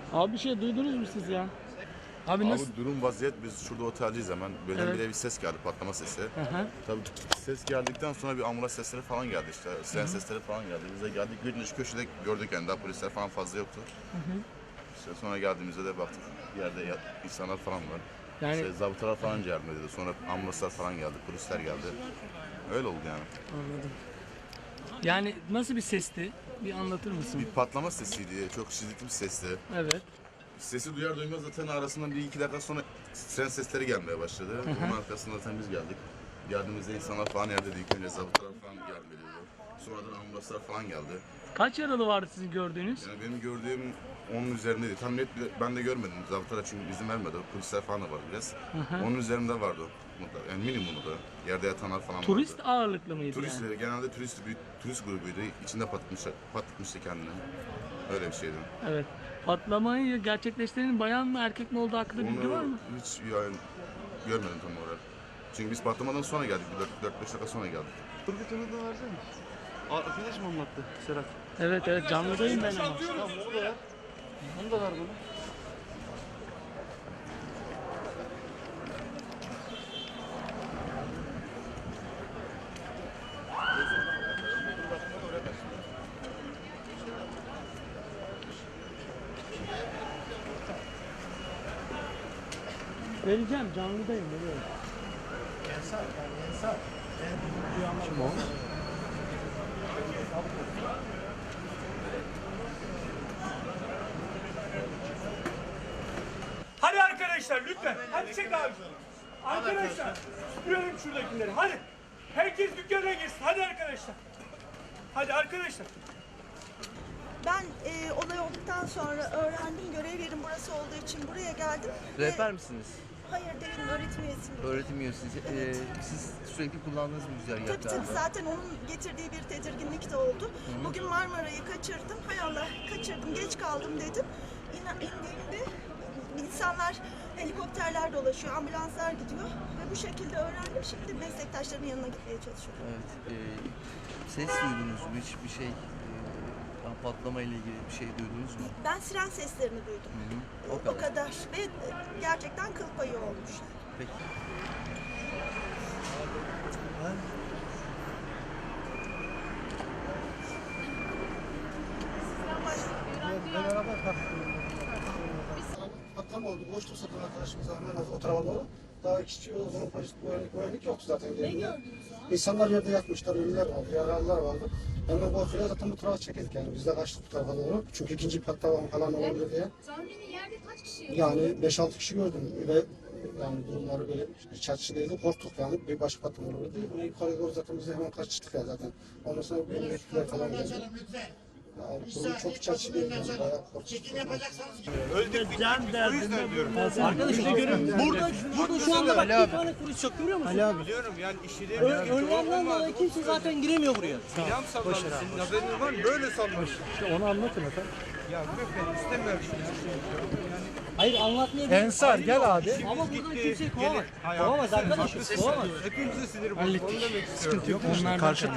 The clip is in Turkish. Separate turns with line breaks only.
Abi bir şey duydunuz mu siz ya? Abi
Abi
nasıl?
durum vaziyet, biz şurada oteldeyiz hemen. Birdenbire bir ses geldi, patlama sesi.
Hı.
Tabii ses geldikten sonra bir ambulans sesleri falan geldi işte. Siren sesleri falan geldi. Biz de geldik, gündüz köşede gördük yani, daha polisler falan fazla yoktu. İşte sonra geldiğimizde de baktık bir yerde insanlar falan var.
Yani
İşte zabıtalar falan yardım ediyordu. Sonra ambulanslar falan geldi, polisler geldi. Öyle oldu yani.
anladım. Yani nasıl bir sesti? Bir anlatır mısın?
Bir patlama sesiydi, çok şiddetli bir sesti.
Evet.
Sesi duyar duymaz zaten arasından bir iki dakika sonra siren sesleri gelmeye başladı. Onun arkasında zaten biz geldik. Geldiğimizde insanlar falan yerdeydi. İlk önce zabıtalar falan yardım ediyordu. Sonradan ambulanslar falan geldi.
Kaç yaralı vardı sizin gördüğünüz?
Yani benim gördüğüm 10'un üzerindeydi. Tam net ben de görmedim. Zabıtalar çünkü izin vermedi. Polisler falan da var biraz. Onun üzerinde vardı mutlaka. Yani minimumu da. Yerde yatanlar falan
Turist
vardı.
ağırlıklı mıydı
Turistleri,
yani?
genelde turist grubuydu. İçinde patlatmıştı kendini. Öyle bir şeydi.
Evet. Patlamayı gerçekleştirenin bayan mı erkek mi olduğu hakkında bilgi var
Onu
mı?
hiç yani görmedim tam olarak. Çünkü biz patlamadan sonra geldik. 4-5 dakika sonra geldik.
Turgut onu da versene. Arkadaş mı anlattı Serhat?
Evet canlıdayım ben ama.
Tamam onu da ver. Onu da ver bana.
Vereceğim canlıdayım veriyorum. Kim o?
Hadi arkadaşlar lütfen. Hadi çek abi. Arkadaşlar süpürelim şuradakileri. Hadi. Herkes dükkana girsin. Hadi arkadaşlar. Hadi arkadaşlar.
Ben olay olduktan sonra öğrendim, görev yerim burası olduğu için buraya geldim.
Rehber misiniz?
Hayır değilim, öğretim üyesiyim.
Öğretim üyesiniz. Siz sürekli kullandığınız bir
Tabii
güzergah
tabii, zaten onun getirdiği bir tedirginlik de oldu. Bugün Marmara'yı kaçırdım, hay Allah kaçırdım, geç kaldım dedim. İndiğimde insanlar, helikopterler dolaşıyor, ambulanslar gidiyor ve bu şekilde öğrendim. Şimdi meslektaşlarımın yanına gitmeye çalışıyorum.
Evet. Ses duydunuz mu? Hiçbir şey patlama ile ilgili bir şey duydunuz mu?
Ben siren seslerini duydum.
O kadar.
Ve gerçekten kıl payı olmuş.
Peki.
Patlama oldu. Boşluk satan arkadaşımız hemen o tarafa doğru. Daha kişi o zaman polis güvenlik yoktu zaten. Ne gördünüz? İnsanlar yerde yatmışlar, ölüler vardı, yaralılar vardı. Ben de korkuyla zaten bu tarafa çekildik yani. Biz de kaçtık bu tarafa doğru. Çünkü ikinci patlama falan olabilir diye.
Tahmini yerde kaç kişi?
Yani 5-6 kişi gördüm ve yani durumları böyle iç açıcıydı. Korktuk yani. Bir başka patlama olurdu. Bunu yukarı doğru zaten biz de hemen kaçtık ya zaten. Ondan sonra benim ekipler falan geldi. Yani durum çok iç açıcıydı. Yani bayağı korktuk.
Arkadaşlar görün. Burada şu anda bak bir tane turist yok, görüyor musun? Ali abi.
Biliyorum yani işi değil.
Önlemden dolayı kimse zaten giremiyor buraya.
Silahım salladı. Senin haberin var mı? Böyle sallamış.
İşte onu anlatın efendim.
Ya ben istemiyorum şimdi.
Hayır anlatmaya
Ensar gel abi.
Ama buradan kimseyi kovamaz. Kovamaz arkadaşım. Kovamaz.
Hepimize sinir bozucu. Onu demek istiyorum.
Sıkıntı yok. Onlar karşı